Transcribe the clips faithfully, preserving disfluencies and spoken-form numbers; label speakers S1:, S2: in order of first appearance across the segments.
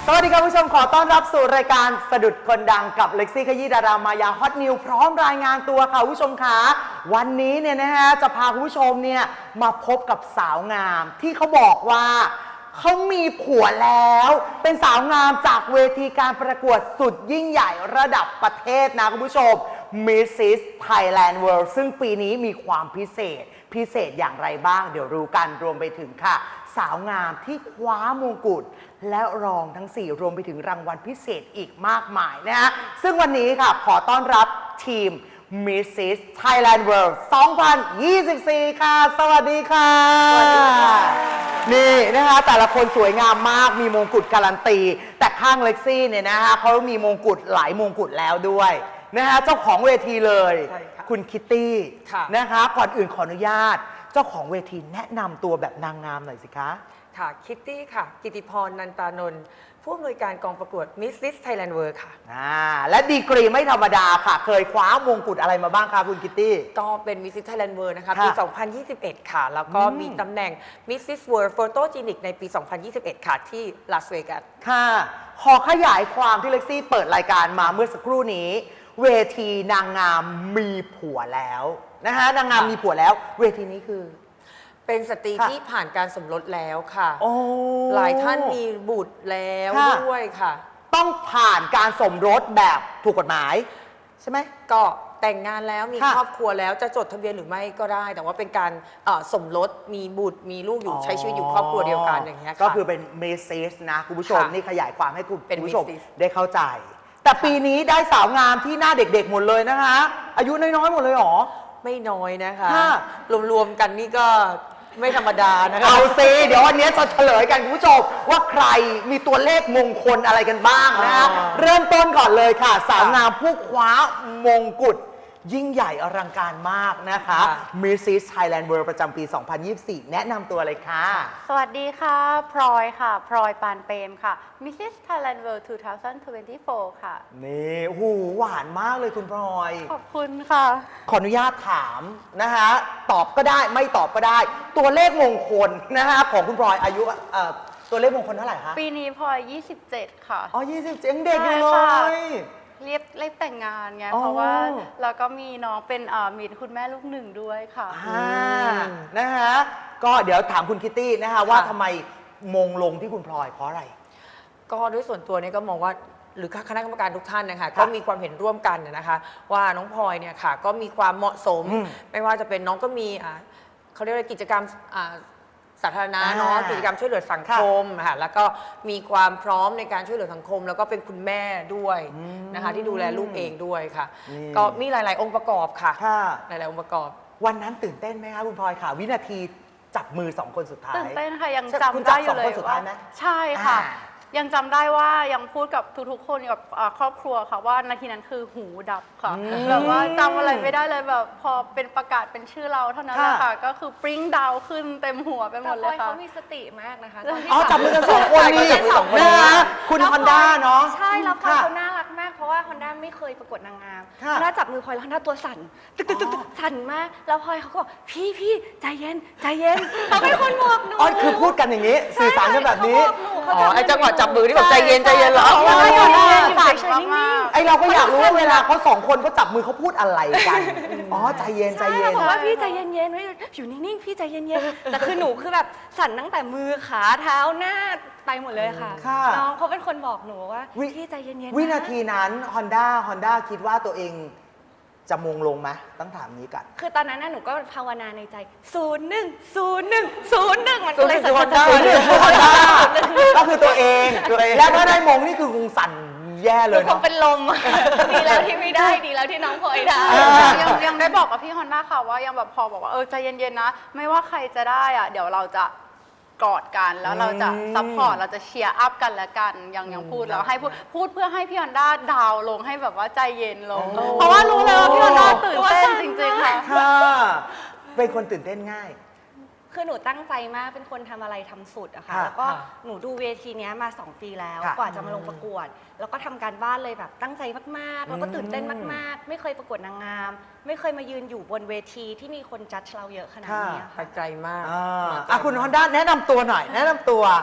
S1: สวัสดีครับผู้ชมขอต้อนรับสู่รายการสะดุดคนดังกับเล็กซี่ขยี้ดารามายาฮอตนิวพร้อมรายงานตัวค่ะผู้ชมคะวันนี้เนี่ยนะฮะจะพาคุณผู้ชมเนี่ยมาพบกับสาวงามที่เขาบอกว่าเขามีผัวแล้วเป็นสาวงามจากเวทีการประกวดสุดยิ่งใหญ่ระดับประเทศนะคุณผู้ชม Missus Thailand World ซึ่งปีนี้มีความพิเศษพิเศษอย่างไรบ้างเดี๋ยวรู้กันรวมไปถึงค่ะสาวงามที่คว้ามงกุฎและรองทั้งสี่รวมไปถึงรางวัลพิเศษอีกมากมายนะฮะซึ่งวันนี้ค่ะขอต้อนรับทีม Missus Thailand World สองพันยี่สิบสี่ ค่ะ สวัสดีค่ะสวัสดีค่ะนี่นะคะแต่ละคนสวยงามมากมีมงกุฎการันตีแต่ข้างเล็กซี่เนี่ยนะคะเขามีมงกุฎหลายมงกุฎแล้วด้วยนะคะเจ้าของเวทีเลยคุณคิตตี้นะคะก่อนอื่นขออนุญาตเจ้าของเวทีแนะนำตัวแบบนางงามหน่อยสิคะ
S2: ค่ะคิตตี้ค่ะกิติพรนันตานนท์ผู้อำนวยการกองประกวด Missus Thailand World ค่ะ
S1: อ่าและดีกรีไม่ธรรมดาค่ะเคยคว้ามงกุฎอะไรมาบ้างคะคุณคิตตี้
S2: ก็เป็น Missus Thailand World นะคะปี สองพันยี่สิบเอ็ด ค่ะ แล้วก็มีตำแหน่ง Missus World Photogenic ในปี สองพันยี่สิบเอ็ด ค่ะที่ลาสเวกัส
S1: ค่ะขอขยายความที่เล็กซี่เปิดรายการมาเมื่อสักครู่นี้เวทีนางงามมีผัวแล้วนะคะนางงามมีผัวแล้วเวทีนี้คือ
S2: เป็นสตรีที่ผ่านการสมรสแล้วค่ะหลายท่านมีบุตรแล้วด้วยค่ะ
S1: ต้องผ่านการสมรสแบบถูกกฎหมายใช่ไหม
S2: ก็แต่งงานแล้วมีครอบครัวแล้วจะจดทะเบียนหรือไม่ก็ได้แต่ว่าเป็นการสมรสมีบุตรมีลูกอยู่ใช้ชีวิตอยู่ครอบครัวเดียวกันอย่างเงี้ย
S1: ก็คือเป็นเมสซิสนะคุณผู้ชมนี่ขยายความให้คุณผู้ชมได้เข้าใจแต่ปีนี้ได้สาวงามที่หน้าเด็กๆหมดเลยนะคะอายุน้อยๆหมดเลยหรอ
S2: ไม่น้อยนะคะรวมๆกันนี่ก็ไม่ธรรมดานะคะ
S1: เอาซิเดี๋ยววันนี้จะเฉลยกันคุณผู้ชมว่าใครมีตัวเลขมงคลอะไรกันบ้างนะ เริ่มต้นก่อนเลยค่ะสาวงามผู้คว้ามงกุฎยิ่งใหญ่อลังการมากนะคะ Missus Thailand World ประจำปี สองพันยี่สิบสี่ แนะนำตัวเลยค่ะ
S3: สวัสดีค่ะพลอยค่ะพลอยปานเปรมค่ะ Missus Thailand World สองพันยี่สิบสี่ ค่ะ
S1: นี่โอ้โหหวานมากเลยคุณพลอย
S3: ขอบคุณค่ะ
S1: ขออนุญาตถามนะคะตอบก็ได้ไม่ตอบก็ได้ ตัวเลขมงคลนะคะของคุณพลอยอายุตัวเลขมงคลเท่าไหร่คะ
S3: ปีนี้พลอยยี่สิบเจ็ดค่ะ
S1: อ๋อยี่สิบเจ็ดเด็กอยู่เลย
S3: เรียบเรียบแต่งงานไงเพราะว่าเราก็มีน้องเป็นมีคุณแม่ลูกหนึ่งด้วยค่ะ
S1: นะคะก็เดี๋ยวถามคุณคิตตี้นะคะว่าทำไมมงลงที่คุณพลอยเพราะอะไร
S2: ก็ด้วยส่วนตัวนี้ก็มองว่าหรือคณะกรรมการทุกท่านนะคะก็มีความเห็นร่วมกันนะคะว่าน้องพลอยเนี่ยค่ะก็มีความเหมาะสมไม่ว่าจะเป็นน้องก็มีเขาเรียกว่ากิจกรรมสาธารณะเนาะกิจกรรมช่วยเหลือสังคมค่ะแล้วก็มีความพร้อมในการช่วยเหลือสังคมแล้วก็เป็นคุณแม่ด้วยนะคะที่ดูแลลูกเองด้วยค่ะก็มีหลายๆองค์ประกอบค่ะหลายๆองค์ประกอบ
S1: วันนั้นตื่นเต้นไหมคะคุณพลอยค่ะวินาทีจับมือสองคนสุดท้าย
S3: ตื่นเต้นค่ะยังจำได้อยู่เลยว่าใช่ค่ะยังจำได้ว่ายังพูดกับทุกๆคนกับครอบครัวค่ะว่านาทีนั้นคือหูดับค่ะแบบว่าจำอะไรไม่ได้เลยแบบพอเป็นประกาศเป็นชื่อเราเท่านั้นแหละค่ะก็คือปริ้งดาวขึ้นเต็มหัวไปหมดเลยค่ะ
S4: เขามีสติมากนะคะ
S1: อ๋อจับมือกันสองคนนี่นะคะคุณฮอนด้าเนาะ
S4: ใช่แล้วพลอยเขาน่ารักมากเพราะว่าฮอนด้าไม่เคยประกวดนางงามฮอนด้าจับมือพลอยแล้วฮอนด้าตัวสั่นตึกตึกตึกสั่นมากแล้วพลอยเขาก็บอกพี่พี่ใจเย็นใจเย็นเขาเป็นคนบอกหนู
S1: อ๋อคือพูดกันอย่างนี้สื่อสารกันแบบนี้
S2: อ๋อไอ้จังหวะจับมือที่แบบใจเย็นใจเย็นเหรอ
S1: ไอเราก็อยากรู้ว่าเวลาเขาสองคนเขาจับมือเขาพูดอะไรกันอ๋อใจเย็นใจเย็น
S4: บอกว่าพี่ใจเย็นเย็นไว้อยู่นิ่งๆพี่ใจเย็นเย็นแต่คือหนูคือแบบสั่นตั้งแต่มือขาเท้าหน้าไปหมดเลยค่ะน้องเขาเป็นคนบอกหนูว่าพี่ใจเย็นเย็น
S1: วินาทีนั้น Honda Honda คิดว่าตัวเองจะมงลงไหมต้องถามนี้กัน
S4: คือตอนนั้นหนูก็ภาวนาในใจศูนย์หนึ่งศูนย์หนึ่งศูนย์หนึ่งมันก็เลยสั่น
S1: สั่นก็คือตัวเองแล้วถ้าได้มงนี่คือคงสั่นแย่เลย
S4: คงเป็นลมดีแล้วที่ไม่ได้ดีแล้วที่น้องพลอยได้
S3: ยังยังได้บอกกับพี่ฮอนด้าค่ะว่ายังแบบพอบอกว่าเออใจเย็นๆนะไม่ว่าใครจะได้อ่ะเดี๋ยวเราจะกอดกันแล้วเราจะซัพพอร์ตเราจะเชียร์อัพกันและกันยังยังพูดแล้วให้พูดพูดเพื่อให้พี่ฮอนด้าดาวลงให้แบบว่าใจเย็นลงเพราะว่ารู้เลยว่าพี่ฮอนด้าตื่นเต้นจริงๆค่ะ
S1: เป็นคนตื่นเต้นง่าย
S4: คือหนูตั้งใจมากเป็นคนทำอะไรทำสุดอะค่ะแล้วก็หนูดูเวทีนี้มาสองปีแล้วกว่าจะมาลงประกวดแล้วก็ทำการบ้านเลยแบบตั้งใจมากๆแล้วก็ตื่นเต้นมากๆไม่เคยประกวดนางงามไม่เคยมายืนอยู่บนเวทีที่มีคนจัดเราเยอะขนาดนี้
S2: ค่ะใจมาก
S1: อ่ะคุณฮอนด้าแนะนำตัวหน่อยแนะนำตัว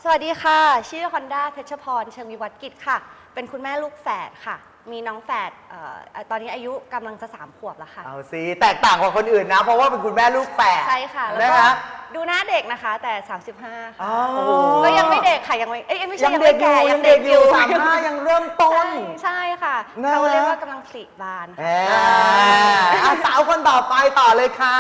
S4: สวัสดีค่ะ ชื่อฮอนด้าเพชรพรเชิงวิวัฒน์กิจค่ะ เป็นคุณแม่ลูกแฝดค่ะ มีน้องแฝดเอ่อตอนนี้อายุกำลังจะสามขวบแล้วค่ะ
S1: เอาสิแตกต่างกว่าคนอื่นนะ เพราะว่าเป็นคุณแม่ลูกแฝด
S4: ใช่ค่ะ แล้ว
S1: นะ
S4: ก็
S1: คะ
S4: ดูหน้าเด็กนะคะ แต่ สามสิบห้า
S1: อ๋
S4: ค่ะ
S1: อ
S4: ก็ยังไม่เด็กค่ะ ยังไม่ เอ้ยไม่ใช่
S1: ยัง
S4: ยัง
S1: เด็
S4: ไม่
S1: กอยู่
S4: แก่
S1: ยังเด็กอยู่สามห้ายังเริ่มต้น
S4: ใช่ใช่ค่ะ
S1: นะ
S4: เขาเรียกว่ากำลังผลิบาน
S1: แห
S4: ค่ะ
S1: มอ่ะสาวคนต่อไปต่อเลยค่ะ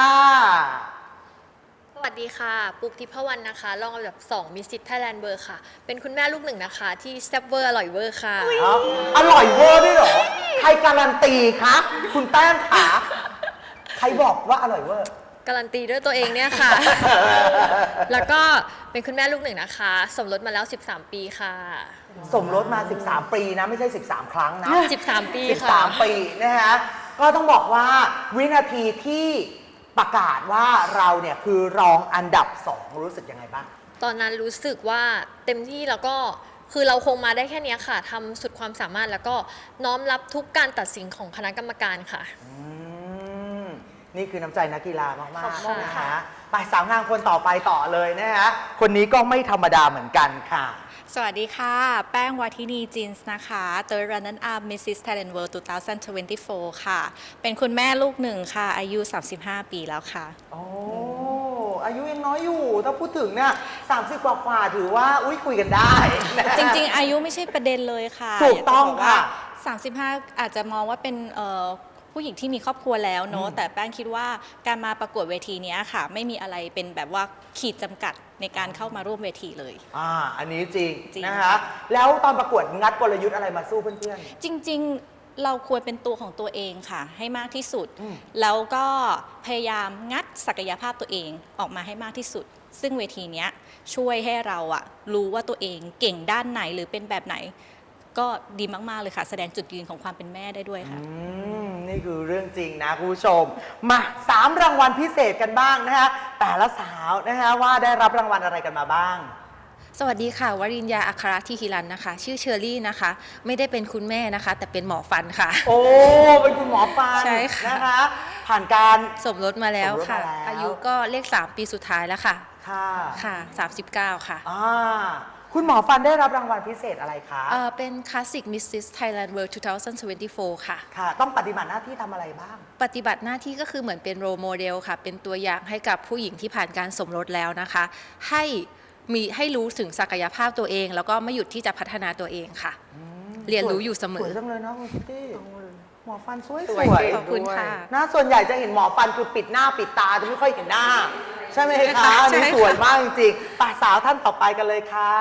S5: สวัสดีค่ะ ปุ๊กทิพวรรณนะคะ รองอันดับสองมิสซิสไทยแลนด์เบอร์ค่ะ เป็นคุณแม่ลูกหนึ่งนะคะ ที่แซ่บเวอร์อร่อยเวอร์ค่ะ
S1: อ๋ออร่อยเวอร์ด้วยเหรอ ใครการันตีคะคุณแป้งขาใครบอกว่าอร่อยเวอร์
S5: การันตีด้วยตัวเองเนี่ยค่ะ แล้วก็เป็นคุณแม่ลูกหนึ่งนะคะ สมรสมาแล้ว สิบสาม ปีค่ะ
S1: สมรสมา สิบสาม ปีนะ ไม่ใช่ สิบสาม ครั้งนะ
S5: สิบสาม ปีค่ะ
S1: สิบสาม ปีนะฮะ ก็ต้องบอกว่าวินาทีที่ประกาศว่าเราเนี่ยคือรองอันดับสองรู้สึกยังไงบ้าง
S5: ตอนนั้นรู้สึกว่าเต็มที่แล้วก็คือเราคงมาได้แค่เนี้ยค่ะทำสุดความสามารถแล้วก็น้อมรับทุกการตัดสินของคณะกรรมการค่ะ
S1: อืมนี่คือน้ำใจนักกีฬามาก
S5: ขอบคุ
S1: ๆ
S5: ณ
S1: นะ
S5: ค่ะ
S1: คะไปสาวงามคนต่อไปต่อเลยนะฮะ คนนี้ก็ไม่ธรรมดาเหมือนกันค่ะ
S6: สวัสดีค่ะ แป้งวัทินีจินส์นะคะ Third Runner Up Missus Thailand World สองพันยี่สิบสี่ ค่ะ เป็นคุณแม่ลูกหนึ่งค่ะ อายุ สามสิบห้า ปีแล้วค่ะ
S1: โอ้ อายุยังน้อยอยู่ ถ้าพูดถึงเนี่ยสามสิบกว่าๆถือว่า อุ้ยคุยกันได้นะฮะ
S6: จริงๆ อายุไม่ใช่ประเด็นเลยค่ะ
S1: ถูกต้อง
S6: ยาจบ
S1: ค่ะ
S6: ว่าสามสิบห้า อาจจะมองว่าเป็นเอ่อผู้หญิงที่มีครอบครัวแล้วเนอะแต่แป้งคิดว่าการมาประกวดเวทีเนี้ยค่ะ ไม่มีอะไรเป็นแบบว่าขีดจำกัดในการเข้ามาร่วมเวทีเลย
S1: อ่า อันนี้จริง
S6: จริง
S1: นะคะ แล้วตอนประกวดงัดกลยุทธ์อะไรมาสู้เพื่อน
S6: จริงๆ เราควรเป็นตัวของตัวเองค่ะ ให้มากที่สุด
S1: อืม
S6: แล้วก็พยายามงัดศักยภาพตัวเองออกมาให้มากที่สุด ซึ่งเวทีเนี้ยช่วยให้เราอะรู้ว่าตัวเองเก่งด้านไหนหรือเป็นแบบไหน ก็ดีมาก ๆ เลยค่ะ แสดงจุดยืนของความเป็นแม่ได้ด้วย
S1: ๆ
S6: ค่ะ
S1: อืม นี่คือเรื่องจริงนะคุณผู้ชม มาสามรางวัลพิเศษกันบ้างนะคะ แต่ละสาวนะคะว่าได้รับรางวัลอะไรกันมาบ้าง
S7: สวัสดีค่ะ วริญญาอัครทิฮิรันนะคะ ชื่อเชอรี่นะคะ ไม่ได้เป็นคุณแม่นะคะ แต่เป็นหมอฟันค่ะ
S1: โอ้ เป็นคุณหมอฟัน
S7: ใช่ค่ะ
S1: นะคะ ผ่านการ
S7: สมรสมาแล้วค่ะ
S1: สมรสมาแล้ว
S7: อายุก็เลขสามปีสุดท้ายแล้วค่ะ
S1: ค่ะ
S7: ค่ะสามสิบเก้าค่ะ
S1: อ่าคุณหมอฟันได้รับรางวัลพิเศษอะไรคะ
S7: เอ่อเป็น Classic Missus Thailand World สองพันยี่สิบสี่ ค่ะ
S1: ค่ะ ต้องปฏิบัติหน้าที่ทำอะไรบ้าง
S7: ปฏิบัติหน้าที่ก็คือเหมือนเป็นโรโมเดลค่ะ เป็นตัวอย่างให้กับผู้หญิงที่ผ่านการสมรสแล้วนะคะ ให้มีให้รู้ถึงศักยภาพตัวเอง แล้วก็ไม่หยุดที่จะพัฒนาตัวเองค่ะ เรียนรู้อยู่เสม
S1: ส
S7: อ
S1: วยจังเลยนะคุณคิตตี้หมอฟันสวย
S2: ส
S1: ส
S2: วย
S1: วย
S2: เก่ง
S7: ขอบคุณค่ะ
S1: นะส่วนใหญ่จะเห็นหมอฟันคือปิดหน้าปิดตาจะไม่ค่อยเห็นหน้า ใช่ไหมคะ
S7: ใช่
S1: นี่
S7: ค่ะ
S1: สวยมากจริงๆป่าสาวท่านต่อไปกันเลยค่ะ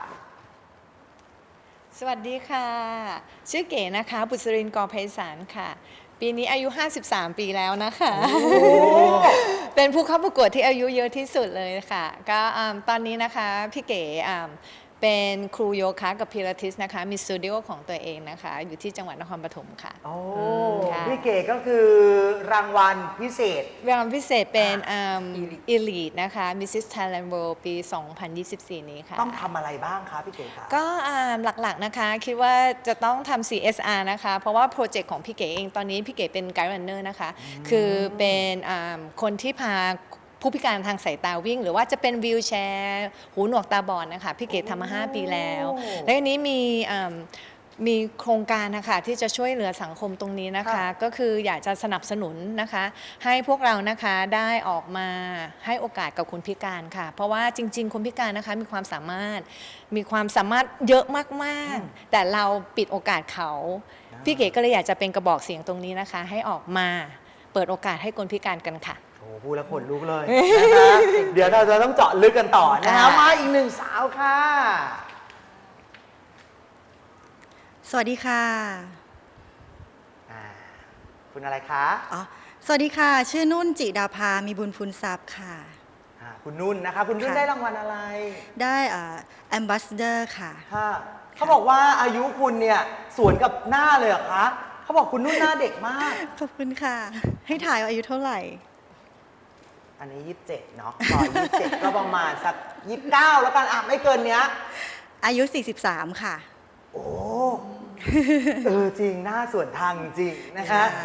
S8: สวัสดีค่ะ ชื่อเก๋นะคะ บุษรินทร์กอไพศาลค่ะ ปีนี้อายุ ห้าสิบสาม ปีแล้วนะคะ เป็นผู้เข้าประกวดที่อายุเยอะที่สุดเลยค่ะ ก็อ่าตอนนี้นะคะ พี่เก๋อ่าเป็นครูโยคะกับพิลาทิสนะคะ มีสตูดิโอของตัวเองนะคะ อยู่ที่จังหวัดนครปฐมค่ะ
S1: โอ้
S8: ค่ะ
S1: พี่เก๋ก็คือรางวัลพิเศษ
S8: รางวัลพิเศษเป็นอ่า Elite นะคะ Missus Thailand World ปี สองพันยี่สิบสี่ นี้ค่ะ
S1: ต้องทำอะไรบ้างคะพี่เก๋คะ
S8: ก็อ่าหลักๆนะคะ คิดว่าจะต้องทำ ซี เอส อาร์ นะคะ เพราะว่าโปรเจกต์ของพี่เก๋เองตอนนี้พี่เก๋เป็นไกด์รันเนอร์นะคะ คือเป็นอ่าคนที่พาผู้พิการทางสายตาวิ่ง หรือว่าจะเป็นวีลแชร์หูหนวกตาบอดนะคะ พี่เก๋ทำมา ห้า ปีแล้ว
S1: โอ้
S8: และอันนี้มีอ่ามีโครงการนะคะที่จะช่วยเหลือสังคมตรงนี้นะคะ
S1: ค่ะ
S8: ก็คืออยากจะสนับสนุนนะคะ ให้พวกเรานะคะได้ออกมาให้โอกาสกับคนพิการค่ะ เพราะว่าจริง ๆ คนพิการนะคะมีความสามารถมีความสามารถเยอะมากๆ แต่เราปิดโอกาสเขา พี่เก๋ก็เลยอยากจะเป็นกระบอกเสียงตรงนี้นะคะ ให้ออกมาเปิดโอกาสให้คนพิการกันค่ะ
S1: โอ้พูดแล้วขนลุกเลยนะคะ เดี๋ยวเราจะต้องเจาะลึกกันต่อนะคะ
S8: อ่าม
S1: มาอีกหนึ่งสาวค่ะ
S9: สวัสดีค่ะ
S1: อ่าคุณอะไรคะ
S9: อ๋อ สวัสดีค่ะ ชื่อนุ่นจิดาภา มีบุญพูนทรัพย์ค่ะ
S1: อ่าคุณนุ่นนะคะ คุณนุ่น
S9: ค่ะ
S1: ได้รางวัลอะไร
S9: ได้แอมบ s สเดอร์ค่ะ
S1: ค่ะเขาบอกว่าอายุคุณเนี่ยสวนกับหน้าเลยเหรอคะเขาบอกคุณนุ่นหน้าเด็กมาก
S9: ขอบคุณค่ะ ให้ถ่ายว่าอายุเท่าไหร่
S1: อันนี้ยี่สิบเจ็ดเนาะต่อยี่สิบเจ็ดก็ประมาณสักยี่สิบเก้าแล้วกันอ่ะไม่เกินเนี้ย
S9: อายุ สี่สิบสาม ค่ะ
S1: โอ้ เออจริงหน้าส่วนทางจริงนะคะ
S9: ค่ะ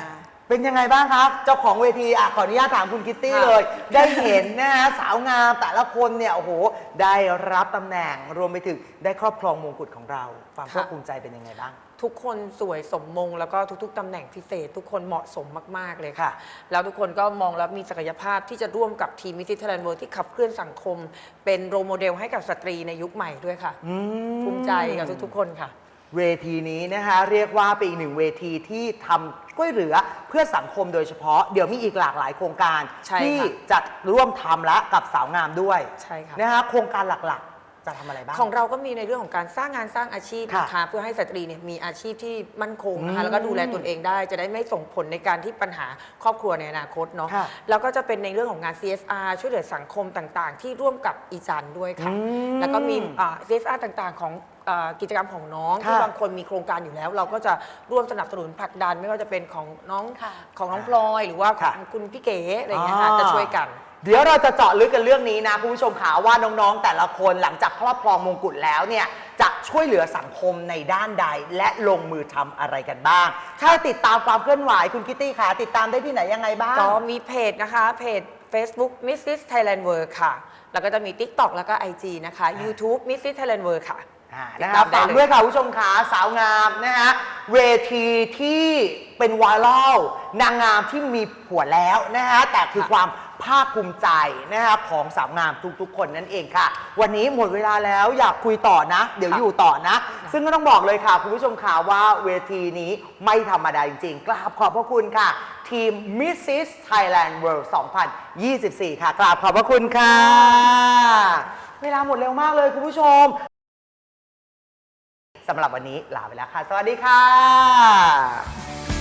S1: เป็นยังไงบ้างครับเจ้าของเวทีอ่ะขออนุญาตถามคุณคิตตี้
S2: ค่ะ
S1: เลย ได้เห็นนะฮะสาวงามแต่ละคนเนี่ยโอ้โหได้รับตำแหน่งรวมไปถึงได้ครอบครองมงกุฎของเราความภาคภูมิใจเป็นยังไงบ้าง
S2: ทุกคนสวยสมมงแล้วก็ทุกๆตำแหน่งพิเศษ ทุกคนเหมาะสมมาก ๆ เลยค่ะ
S1: ค่ะ
S2: แล้วทุกคนก็มองแล้วมีศักยภาพที่จะร่วมกับทีมมิสซิสไทยแลนด์เวิลด์ที่ขับเคลื่อนสังคม เป็นโรลโมเดลให้กับสตรีในยุคใหม่ด้วยค่ะ
S1: อืม
S2: ภูมิใจกับทุกๆคนค่ะ
S1: เวทีนี้นะคะเรียกว่าเป็นอีกหนึ่งเวทีที่ทำช่วยเหลือเพื่อสังคมโดยเฉพาะเดี๋ยวมีอีกหลากหลายโครงการ
S2: ใช่ค่ะ
S1: ที่จะร่วมทำและกับสาวงามด้วย
S2: ใช่ค่ะ
S1: นะคะโครงการหลักๆจะทำอะไรบ้าง
S2: ของเราก็มีในเรื่องของการสร้างงานสร้างอาชีพ
S1: ค่ะ
S2: นะคะเพื่อให้สตรีเนี่ยมีอาชีพที่มั่นคงนะ
S1: อื
S2: คะ
S1: ม
S2: แล้วก็ดูแลตนเองได้ จะได้ไม่ส่งผลในการที่ปัญหาครอบครัวในอนาคตเนาะ
S1: ค่ะ
S2: แล้วก็จะเป็นในเรื่องของงาน ซี เอส อาร์ ช่วยเหลือสังคมต่างๆ ที่ร่วมกับอีจันด้วยค่ะ
S1: อืม
S2: แล้วก็มีอ่า ซี เอส อาร์ ต่างๆของอ่ากิจกรรมของน้อง
S1: ค่ะ
S2: ที่บางคนมีโครงการอยู่แล้ว เราก็จะร่วมสนับสนุนผลักดัน ไม่ว่าจะเป็นของน้อง
S3: ค่ะ
S2: ของน้องพลอยหรือว่าข
S1: ค่ะ
S2: องคุณพี่เก๋อะไรอย่างเงี้ยค่ะ
S1: อ่า
S2: จะช่วยกัน
S1: เดี๋ยวเราจะเจาะลึกกันเรื่องนี้นะคุณผู้ชมขาว่าน้องๆ แต่ละคนหลังจากครอบครองมงกุฎแล้วเนี่ยจะช่วยเหลือสังคมในด้านใด และลงมือทำอะไรกันบ้าง ถ้าติดตามความเคลื่อนไหวคุณคิตตี้ขาติดตามได้ที่ไหนยังไงบ้าง
S2: ก็มีเพจนะคะ เพจ Facebook มิสซิส Thailand World ค่ะ แล้วก็จะมี TikTok แล้วก็ ไอ จี นะคะ YouTube มิสซิส Thailand World ค่ะ
S1: อ่า
S2: ติด
S1: นะค
S2: ตา
S1: รับ
S2: มได้
S1: ฝาก
S2: เลย
S1: ด้วยค่ะคุณผู้ชมขาสาวงามนะฮะเวทีที่เป็นไวรัลนางงามที่มีผัวแล้วนะฮะแต่คือความภาคภูมิใจนะฮะของสาวงามทุกๆ คนนั่นเองค่ะ วันนี้หมดเวลาแล้วอยากคุยต่อนะ เดี๋ยวอยู่ต่อนะ ซึ่งก็ต้องบอกเลยค่ะคุณผู้ชมขาว่าเวทีนี้ไม่ธรรมดาจริงๆกราบขอบพระคุณค่ะ ทีม Missis Thailand World สองพันยี่สิบสี่ ค่ะกราบขอบพระคุณค่ะ เวลาหมดเร็วมากเลยคุณผู้ชม สำหรับวันนี้ลาไปแล้วค่ะ สวัสดีค่ะ